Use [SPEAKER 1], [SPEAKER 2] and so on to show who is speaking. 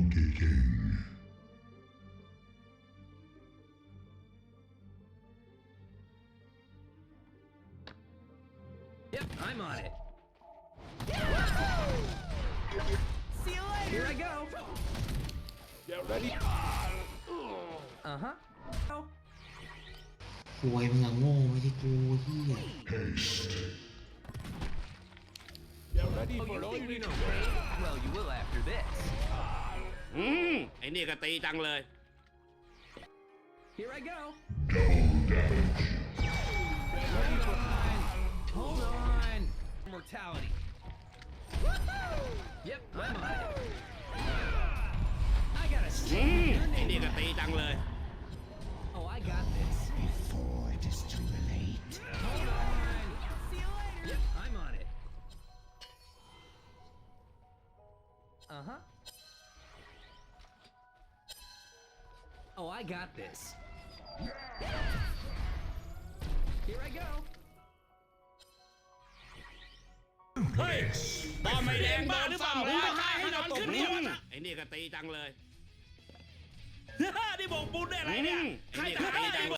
[SPEAKER 1] Monkey King.
[SPEAKER 2] Yep, I'm on it. See you later. Here I go.
[SPEAKER 3] Get ready.
[SPEAKER 2] Uh-huh. Oh.
[SPEAKER 4] ป่วยมึงอะโง่ไม่ใช่กูเฮีย
[SPEAKER 1] Haste.
[SPEAKER 3] Get ready
[SPEAKER 2] Oh,
[SPEAKER 3] for
[SPEAKER 2] you think we
[SPEAKER 3] only
[SPEAKER 2] know pain? Well, you will after this.
[SPEAKER 5] ไอ้นี่ก็ตีจังเลย
[SPEAKER 2] Here I go.
[SPEAKER 1] Double damage.
[SPEAKER 3] ready for
[SPEAKER 2] Hold on. Mortality. Yep, I'm on it. I got a stick.
[SPEAKER 5] ไอ้นี่ก็ตีจังเลย
[SPEAKER 2] Oh, I got this.
[SPEAKER 4] Before it is too late
[SPEAKER 2] Hold on. See you later. Yep, I'm on it. Uh-huh. Oh, I got this. Here I go.
[SPEAKER 5] เฮ้ยบอลไม่แดงบ้าหรือเปล่ามึงไม่ให้นอนขึ้นหัวนะไอ้นี่ก็ตีจังเลย นี่บอกบุญได้อะไรเนี่ยไอ้นี่ก็ตีจังเลย